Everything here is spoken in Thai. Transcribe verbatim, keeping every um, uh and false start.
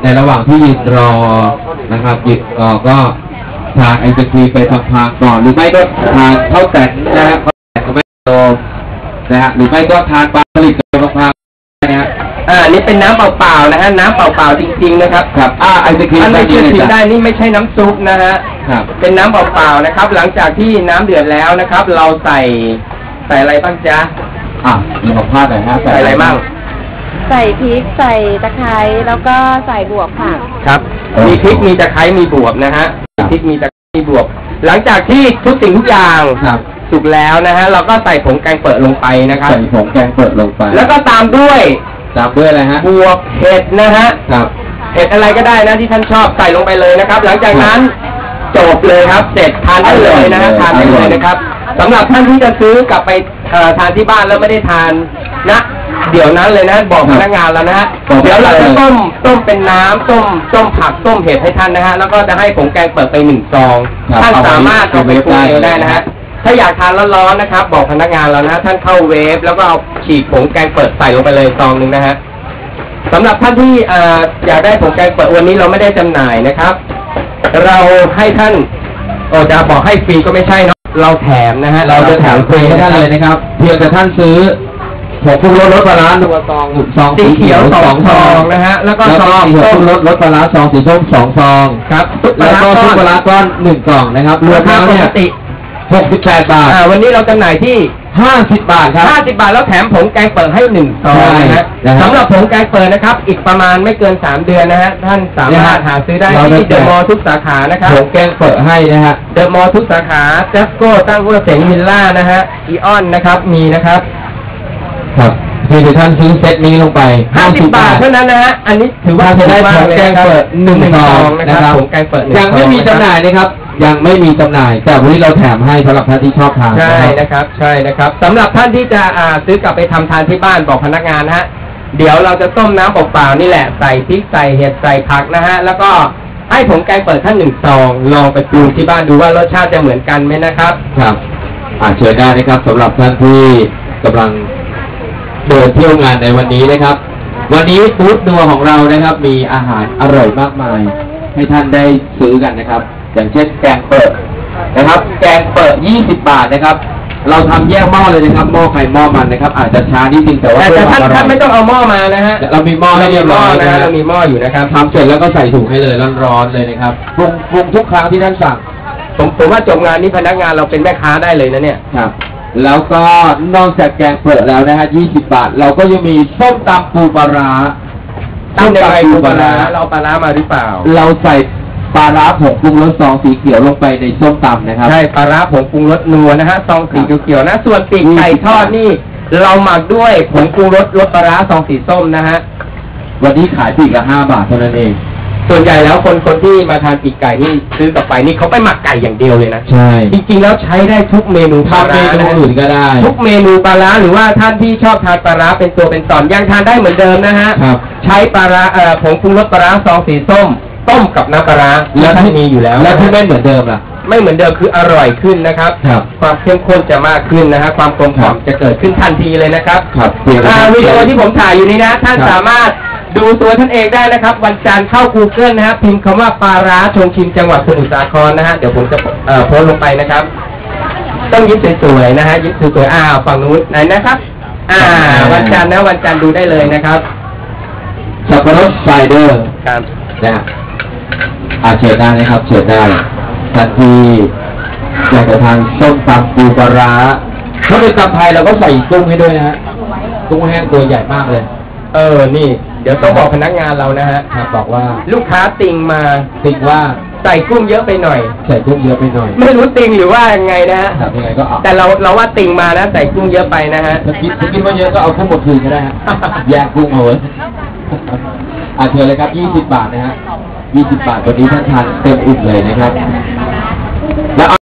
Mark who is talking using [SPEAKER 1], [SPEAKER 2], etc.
[SPEAKER 1] ในระหว่างที่ยืนรอนะครับยืนรอก็ทานไอศครีมไปพลางๆก่อนหรือไม่ก็ทานข้าวแต่นนะฮะข้าวแต่นก็ไม่โตนะฮะหรือไม่ก็ทานปลาผลิตไปพลางๆนะฮะ
[SPEAKER 2] อ่านี่เป็นน้ำเปล่าๆนะฮะน้ำเปล่าๆจริงๆนะครับ
[SPEAKER 1] ครับอ่าไอศครีม
[SPEAKER 2] อันนี้คือชิมได้นี่ไม่ใช่น้ำซุปนะฮะ
[SPEAKER 1] ครับ
[SPEAKER 2] เป็นน้ำเปล่าๆนะครับหลังจากที่น้ำเดือดแล้วนะครับ เราใส่ใส่อะไรบ้างจ๊ะ
[SPEAKER 1] อ่ะมีของผ้าหน่อยฮะ
[SPEAKER 2] ใส่อะไรบ้าง
[SPEAKER 3] ใส่พริกใส่ตะไคร้แล้วก็ใส่บวบค่ะ
[SPEAKER 2] ครับมีพริกมีตะไคร้มีบวบนะฮะพริกมีตะไคร้มีบวบหลังจากที่ทุกสิ่งทุกอย่างสุกแล้วนะฮะเราก็ใส่ผงแกงเปิดลงไปนะครับ
[SPEAKER 1] ใส่ผงแกงเปิดลงไป
[SPEAKER 2] แล้วก็ตามด้วย
[SPEAKER 1] ตามด้วยอะไรฮะ
[SPEAKER 2] บวบเห็ดนะฮะ
[SPEAKER 1] ครับ
[SPEAKER 2] เห็ดอะไรก็ได้นะที่ท่านชอบใส่ลงไปเลยนะครับหลังจากนั้นจบเลยครับเสร็จทานได้เลยนะฮะทานได้เลยนะครับสำหรับท่านที่จะซื้อกลับไปทานที่บ้านแล้วไม่ได้ทานนะเดี๋ยวนั้นเลยนะบอกพนักงานแล้วนะฮะเดี๋ยวเราจะต้มต้มเป็นน้ำต้มต้มผักต้มเห็ดให้ท่านนะฮะแล้วก็จะให้ผงแกงเปิดไปหนึ่งซองท่านสามารถเอาไปปรุงเองได้นะฮะถ้าอยากทานร้อนๆนะครับบอกพนักงานเรานะท่านเข้าเวฟแล้วก็เอาฉีกผงแกงเปิดใส่ลงไปเลยซองหนึ่งนะฮะสำหรับท่านที่อยากได้ผงแกงเปิดวันนี้เราไม่ได้จำหน่ายนะครับเราให้ท่านโอ้จะบอกให้ฟรีก็ไม่ใช่เนาะเราแถมนะฮะ
[SPEAKER 1] เราจะแถมฟรีให้ท่านเลยนะครับเพียงแต่ท่านซื้อผงปรุงรสรสปลาร้าหนึ่งซองซอง
[SPEAKER 2] สีเขียวสองซองนะฮะแล้วก็ซอง
[SPEAKER 1] ผงปรุงรสรสปลาร้าซองสีส้มสองซอง
[SPEAKER 2] ครับ
[SPEAKER 1] แล้วก็ซุปปลาร้าก้อนหนึ่งกล่องนะครับรวมแล้วเนี่ยหกสิบแปดบาท
[SPEAKER 2] วันนี้เราจำหน่ายที่
[SPEAKER 1] ห้าสิบบาทครับ
[SPEAKER 2] ห้าสิบบาทแล้วแถมผงแกงเปิดให้หนึ่งซองนะฮะสำหรับผงแกงเปิดนะครับอีกประมาณไม่เกินสามเดือนนะฮะท่านสามารถหาซื้อได้ที่เดอะมอลล์ทุกสาขานะครับ
[SPEAKER 1] ผงแกงเปิดให้นะฮะ
[SPEAKER 2] เดอะมอลล์ทุกสาขาเจสโก้ตั้งวัวเสงมิลล่านะฮะอีออนนะครับมีนะครับ
[SPEAKER 1] ครับคือท่านซื้อเซตนี้ลงไป
[SPEAKER 2] ห้าสิบบาทเท่านั้นนะฮะอันนี้ถือว่า
[SPEAKER 1] จะได้ผงแกงเปิดหนึ่งซองนะครับ
[SPEAKER 2] ผงแกงเปิด
[SPEAKER 1] ยังไม่มีจำหน่ายนะครับยังไม่มีจำหน่ายแต่วันนี้เราแถมให้สำหรับท่านที่ชอบทาน
[SPEAKER 2] ใช่นะครับใช่นะครับสำหรับท่านที่จะซื้อกลับไปทำทานที่บ้านบอกพนักงานนะฮะเดี๋ยวเราจะต้มน้ำเปล่าๆนี่แหละใส่พริกใส่เห็ดใส่ผักนะฮะแล้วก็ให้ผงแกงเปิดท่านหนึ่งซองลองไปปรุงที่บ้านดูว่ารสชาติจะเหมือนกันไหมนะครับ
[SPEAKER 1] ครับอ่าเชิญได้นะครับสำหรับท่านที่กำลังเดินเที่ยวงานในวันนี้นะครับวันนี้ฟู้ดนัวของเรานะครับมีอาหารอร่อยมากมายให้ท่านได้ซื้อกันนะครับอย่างเช่นแกงเปิดนะครับแกงเปิดยี่สิบบาทนะครับเราทำแยกหม้อเลยนะครับหม้อไข่หม้อมันนะครับอาจจะช้านิดนึงแต่ว่า
[SPEAKER 2] แต่ท่านท่านไม่ต้องเอาหม้อมานะฮะ
[SPEAKER 1] เรามีหม้อให้เรียบร้อย
[SPEAKER 2] นะเรามีหม้ออยู่นะครับ
[SPEAKER 1] ทำเสร็จแล้วก็ใส่ถุงให้เลยร้อนๆเลยนะครับปรุงปรุงทุกครั้งที่ท่านสั่ง
[SPEAKER 2] ผมผมว่าจบงานนี้พนักงานเราเป็นแม่ค้าได้เลยนะเนี่ย
[SPEAKER 1] ครับแล้วก็นอกจากแกงเปิดแล้วนะฮะยี่สิบบาทเราก็ยังมีส้มตำปูปลาร้า
[SPEAKER 2] ส้มตำปูปลาร้าเราปลาร้ามาหรือเปล่า
[SPEAKER 1] เราใส่ปลาร้าผงปรุงรสซองสีเขียวลงไปในส้มตำนะครับ
[SPEAKER 2] ใช่ปลาร้าผงปรุงรสนัวนะฮะซองสีเขียวๆนะส่วนปีกไก่ทอดนี่เราหมักด้วยผงปรุงรสรสปลาร้าซองสีส้มนะฮะ
[SPEAKER 1] วันนี้ขายปีกละห้าบาทเท่านั้นเอง
[SPEAKER 2] ส่วนใหญ่แล้วคนคนที่มาทานปีกไก่นี่ซื้อกลับไปนี่เขาไปหมักไก่อย่างเดียวเลยนะ
[SPEAKER 1] ใช่
[SPEAKER 2] จริงๆแล้วใช้ได้ทุกเมนู
[SPEAKER 1] ทำเมนูอื่นก็ได้
[SPEAKER 2] ทุกเมนูปลาร้าหรือว่าท่านที่ชอบทานปลาร้าเป็นตัวเป็นตอนยังทานได้เหมือนเดิมนะฮะใช้ปลาร้าเอ่อผงปรุงรสปลาร้าซองสีส้มต้มกับน้ำปลาร้าแล้วที่มีอยู่แล้ว
[SPEAKER 1] แล้วที่ไม่เหมือนเดิมล่ะ
[SPEAKER 2] ไม่เหมือนเดิมคืออร่อยขึ้นนะครับความเข้มข้นจะมากขึ้นนะฮะความกลมกล่อมจะเกิดขึ้นทันทีเลยนะครับ
[SPEAKER 1] ครับ
[SPEAKER 2] วิดีโอที่ผมถ่ายอยู่นี้นะท่านสามารถดูตัวท่านเองได้นะครับวันจันทร์เข้า Google นะฮะพิมพ์คำว่าปลาร้าชงชิมจังหวัดสมุทรสาครนะฮะเดี๋ยวผมจะเอ่อโพสต์ลงไปนะครับต้องยิ้มสวยๆนะฮะยิ้มสวยๆอ้าวฝั่งนู้นไหนนะครับอ่าวันจันทร์นะวันจันทร์ดูได้เลยนะครับ
[SPEAKER 1] สับปะรดไซเดอร์
[SPEAKER 2] ครับ
[SPEAKER 1] นะอาเชิญได้นะครับเชิญได้ทันทีอยากจะทานส้มตำปูปลาร้าถ้าเป็นตำไทยเราก็ใส่กุ้งให้ด้วยนะฮะกุ้งแห้งตัวใหญ่มากเลย
[SPEAKER 2] เออนี่เดี๋ยวต้องบอกพนักงานเรานะฮะ
[SPEAKER 1] ครับบอกว่า
[SPEAKER 2] ลูกค้าติงมา
[SPEAKER 1] ติงว่า
[SPEAKER 2] ใส่กุ้งเยอะไปหน่อย
[SPEAKER 1] ใส่กุ้งเยอะไปหน่อย
[SPEAKER 2] ไม่รู้ติงหรือว่ายังไงนะฮะ
[SPEAKER 1] ยังไงก็เอา
[SPEAKER 2] แต่เราเราว่าติงมานะใส่กุ้งเยอะไปนะฮะ
[SPEAKER 1] ถ้าคิดถ้าคิดว่าเยอะก็เอากุ้งหมดคืนก็ได้ฮะแยกกุ้งเอาไว้อ่ะเชิญเลยครับยี่สิบบาทนะฮะยี่สิบบาทวันนี้ท่านทานเต็มอิ่มเลยนะครับแล้ว